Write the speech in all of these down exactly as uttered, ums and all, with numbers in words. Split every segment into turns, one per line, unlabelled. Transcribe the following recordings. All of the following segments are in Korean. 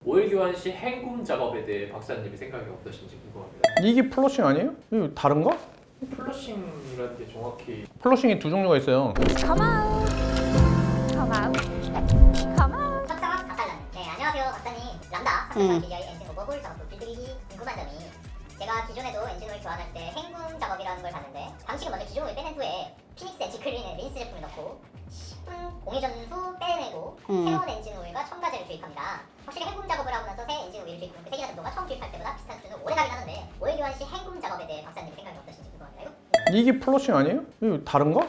오일 교환 시 헹굼 작업에 대해 박사님의 생각이 어떠신지 궁금합니다.
이게 플러싱 아니에요? 이거 다른가?
플러싱이라는 게 정확히
플러싱이 두 종류가 있어요.
Come out. Come out. Come out.
협상학 사 달러. 네, 안녕하세요, 박사님. 람다 삼백삼십 디아이 엔진 오버홀 작업부 빌드리기 궁금한 점이 제가 기존에도 엔진오일 교환할 때 헹굼 작업이라는 걸 봤는데 방식은 먼저 기존 오일 빼낸 후에 피닉스 엣지 클린에 린스 제품을 넣고 십 분 공회전 후 빼내고
음.
새로운 엔진오일과 첨가제를 주입합니다. 확실히 햄굼 작업을 하고 나서 새 엔진오일을 주입하는 그 세기나 정도가 처음 주입할 때보다 비슷한 수준으로 오래 가긴 하는데 오일 교환 시 햄굼 작업에 대해 박사님 생각이 어떠신지 궁금합니다.
이게 플러싱 아니에요? 이거 다른가?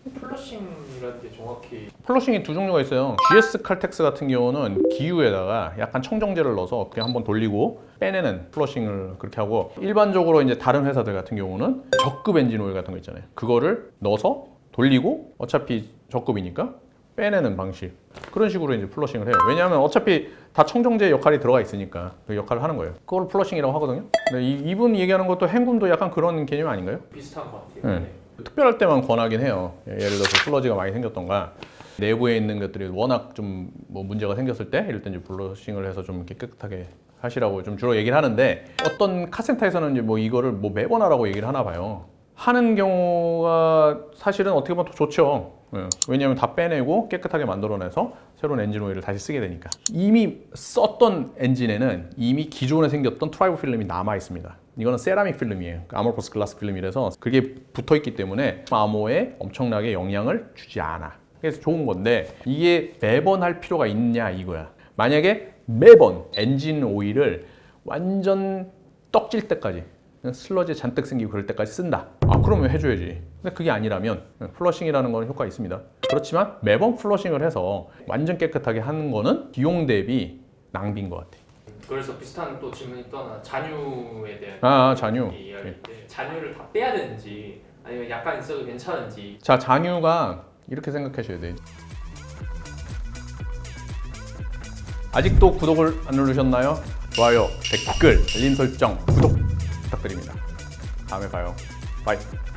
플러싱이라는 게 정확히
플러싱이 두 종류가 있어요. 지에스 칼텍스 같은 경우는 기유에다가 약간 청정제를 넣어서 그냥 한번 돌리고 빼내는 플러싱을 그렇게 하고, 일반적으로 이제 다른 회사들 같은 경우는 적급 엔진 오일 같은 거 있잖아요. 그거를 넣어서 돌리고 어차피 적급이니까 빼내는 방식, 그런 식으로 이제 플러싱을 해요. 왜냐하면 어차피 다 청정제 역할이 들어가 있으니까 그 역할을 하는 거예요. 그걸 플러싱이라고 하거든요. 근데 이, 이분 얘기하는 것도 헹굼도 약간 그런 개념 아닌가요?
비슷한 것 같아요.
네. 특별할 때만 권하긴 해요. 예를 들어서 플러지가 많이 생겼던가 내부에 있는 것들이 워낙 좀 뭐 문제가 생겼을 때 이럴 때 이제 플러싱을 해서 좀 이렇게 깨끗하게 하시라고 좀 주로 얘기를 하는데, 어떤 카센터에서는 이제 뭐 이거를 뭐 매번 하라고 얘기를 하나 봐요. 하는 경우가 사실은 어떻게 보면 더 좋죠. 예. 왜냐하면 다 빼내고 깨끗하게 만들어내서 새로운 엔진 오일을 다시 쓰게 되니까. 이미 썼던 엔진에는 이미 기존에 생겼던 트라이브 필름이 남아 있습니다. 이거는 세라믹 필름이에요. 아모포스 글라스 필름이라서 그게 붙어 있기 때문에 암호에 엄청나게 영향을 주지 않아. 그래서 좋은 건데 이게 매번 할 필요가 있냐 이거야. 만약에 매번 엔진 오일을 완전 떡질 때까지, 슬러지 잔뜩 생기고 그럴 때까지 쓴다. 아, 그러면 해줘야지. 근데 그게 아니라면 플러싱이라는 건 효과가 있습니다. 그렇지만 매번 플러싱을 해서 완전 깨끗하게 하는 거는 비용 대비 낭비인 것 같아.
그래서 비슷한 또 질문이 또 하나, 잔유에 대한
아, 잔유.
이야기인데 잔유를 다 빼야 되는지 아니면 약간 있어도 괜찮은지.
자, 잔유가 이렇게 생각하셔야 돼. 아직도 구독을 안 누르셨나요? 좋아요, 댓글, 알림 설정, 구독 부탁드립니다. 다음에 봐요. 바이.